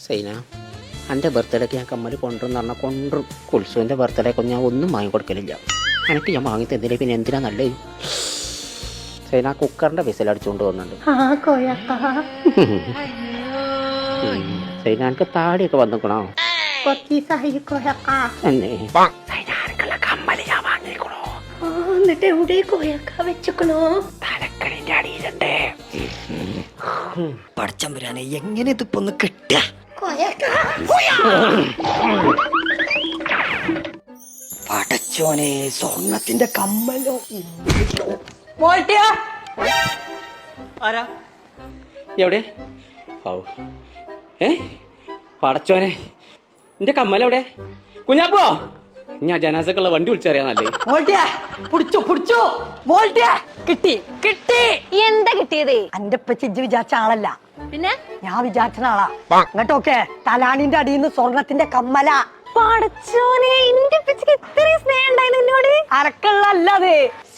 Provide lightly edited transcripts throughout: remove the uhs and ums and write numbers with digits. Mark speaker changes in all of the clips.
Speaker 1: സൈന, എൻ്റെ ബർത്ത്ഡേക്ക് ഞാൻ കമ്മൽ കൊണ്ടുവന്ന് പറഞ്ഞാൽ കൊണ്ടും കുൽസുവിൻ്റെ ബർത്ത്ഡേക്ക് ഞാൻ ഒന്നും വാങ്ങിക്കൊടുക്കലില്ല. എനിക്ക് ഞാൻ വാങ്ങി തന്നില്ല, പിന്നെ എന്തിനാ നല്ലത്? സൈന കുക്കറിൻ്റെ വിസിലടിച്ചുകൊണ്ട് പോകുന്നുണ്ട്. സൈന എനിക്ക് താടിയൊക്കെ വന്നിക്കണോ? കമ്മല് ഞാൻ വാങ്ങിക്കണോ?
Speaker 2: എന്നിട്ട് എവിടെ കോയക്ക വെച്ചക്കണോ?
Speaker 1: തലക്കണിന്റെ അടിയിലുണ്ട്.
Speaker 3: പടച്ചമ്പുരാനെ, എങ്ങനെ ഇതിപ്പോ ഒന്ന് കിട്ടുക? പടച്ചോനെ, സ്വർണത്തിന്റെ കമ്മലോ.
Speaker 1: ആരാ എവിടെ? പടച്ചോനെ, എന്റെ കമ്മലെവിടെ? കുഞ്ഞാപ്പോ, ഞാൻ ജനാസക്കുള്ള വണ്ടി വിളിച്ചറിയാന്നല്ലേ?
Speaker 3: കിട്ടി കിട്ടി.
Speaker 2: എന്താ കിട്ടിയത്?
Speaker 3: എന്റെ പച്ചിജ് വിചാരിച്ച ആളല്ല,
Speaker 2: പിന്നെ
Speaker 3: ഞാൻ വിചാരിച്ച ആളാ. അങ്ങോട്ടൊക്കെ തലാണിന്റെ അടിയിൽ നിന്ന് സ്വർണത്തിന്റെ കമ്മല.
Speaker 2: പടച്ചോനെ, എന്റെ പിച്ചക്ക് ഇത്രയും സ്നേഹം ഉണ്ടായിരുന്നു എന്നോട്.
Speaker 3: അരക്കള്ളല്ലേ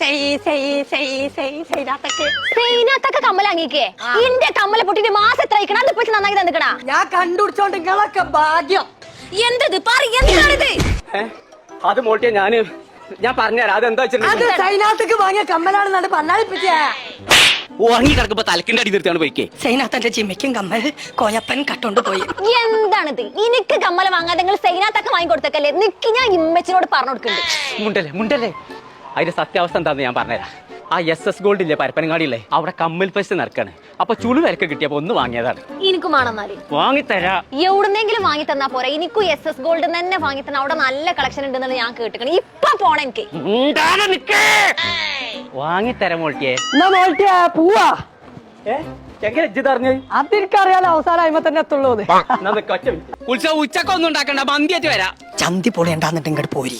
Speaker 2: കമ്മൽ അങ്ങേക്കേ എന്റെ കമ്മല പൊട്ടിട്ട് മാസം എത്ര അയക്കണം? അത് പിടിച്ച് നന്നാക്കി തന്നിക്കണ.
Speaker 3: ഞാൻ കണ്ടുപിടിച്ചോണ്ട് നിങ്ങളൊക്കെ ഭാഗ്യം.
Speaker 2: എന്തത് എന്താണിത്?
Speaker 1: അത് മോട്ടിയ ഞാൻ പറഞ്ഞുതരാം. അതെന്താ
Speaker 3: അത് സൈനാത്തേക്ക് വാങ്ങിയ കമ്മലാണെന്നാണ് പറഞ്ഞാലിപ്പിച്ച.
Speaker 1: ഉറങ്ങി കിടക്കുമ്പോ തലക്കിന്റെ അടി നിർത്തിയാണ് പോയിക്കേ.
Speaker 3: സൈനാത്തന്റെ ചിമ്മയ്ക്കും കമ്മൽ കോയപ്പൻ കട്ടോണ്ട് പോയി.
Speaker 2: എന്താണിത്? എനിക്ക് കമ്മല വാങ്ങാതെ നിങ്ങൾ സൈനാത്തൊക്കെ വാങ്ങി കൊടുത്തേക്കല്ലേ? നിക്ക്, ഞാൻ ഇമ്മച്ചിനോട് പറഞ്ഞു കൊടുക്കുന്നുണ്ട്.
Speaker 1: മുണ്ടല്ലേ അതിന്റെ സത്യാവസ്ഥ എന്താന്ന് ഞാൻ പറഞ്ഞുതരാം. ആ SS ഗോൾഡ് ഇല്ലേ പരപ്പനങ്ങാടിയില്ലേ, അവിടെ കമ്മൽ ഫെസ്റ്റ് നടക്കാണ്. അപ്പൊ ചുളു വിലക്ക് കിട്ടിയപ്പോ ഒന്ന് വാങ്ങിയതാണ്.
Speaker 2: എനിക്കും വേണമെന്നാല്
Speaker 1: വാങ്ങിത്തരാ.
Speaker 2: എവിടുന്നെങ്കിലും വാങ്ങി തന്നാ പോരാ? എനിക്കും SS ഗോൾഡ് തന്നെ വാങ്ങി തന്നെ. അവിടെ നല്ല കളക്ഷൻ ഉണ്ടെന്നാണ് ഞാൻ കേട്ടിക്കണേ. ഇപ്പൊ പോണ എനിക്ക്
Speaker 1: വാങ്ങിത്തരാം മോൾട്ടിയെ.
Speaker 3: പോവാ.
Speaker 1: എങ്ങനെ ഇജ്ജ് അറിഞ്ഞത്?
Speaker 3: അതെനിക്കറിയാലോ, അവസാനം അയിമ തന്നെ എത്തുള്ളൂ.
Speaker 1: ഉത്സവം ഉച്ചക്കൊന്നും ഉണ്ടാക്കണ്ട, മന്തിയായിട്ട് വരാം.
Speaker 3: ചന്തി പൊളിയണ്ടാന്നിട്ട് ഇങ്ങോട്ട് പോരി.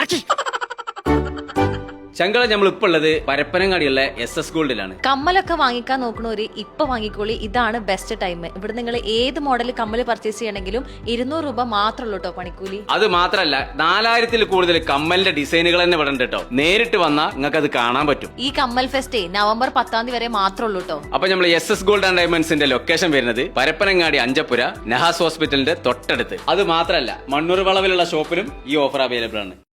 Speaker 4: ചങ്കള നമ്മൾ ഇപ്പൊ ഉള്ളത് പരപ്പനങ്ങാടിയുള്ള SS ഗോൾഡിലാണ്.
Speaker 5: കമ്മലൊക്കെ വാങ്ങിക്കാൻ നോക്കണോര് ഇപ്പൊ വാങ്ങിക്കോളി. ഇതാണ് ബെസ്റ്റ് ടൈം. ഇവിടെ നിങ്ങൾ ഏത് മോഡൽ കമ്മല് പർച്ചേസ് ചെയ്യണമെങ്കിലും 200 രൂപ മാത്രമല്ലോ കേട്ടോ പണിക്കൂലി.
Speaker 4: അത് മാത്രല്ല 4000-ൽ കൂടുതൽ കമ്മലിന്റെ ഡിസൈനുകൾ തന്നെ ഇവിടെ ഉണ്ട് കേട്ടോ. നേരിട്ട് വന്നാൽ നിങ്ങൾക്ക് അത് കാണാൻ പറ്റും.
Speaker 5: ഈ കമ്മൽ ഫെസ്റ്റ് നവംബർ 10 വരെ മാത്രമല്ലോ കേട്ടോ.
Speaker 4: അപ്പൊ നമ്മൾ SS ഗോൾഡ് ആൻഡ് ഡയമണ്ട്സിന്റെ ലൊക്കേഷൻ വരുന്നത് പരപ്പനങ്ങാടി അഞ്ചപ്പുര നഹാസ് ഹോസ്പിറ്റലിന്റെ തൊട്ടടുത്ത്. അത് മാത്രല്ല മണ്ണൂർ വളവിലുള്ള ഷോപ്പിലും ഈ ഓഫർ അവൈലബിൾ ആണ്.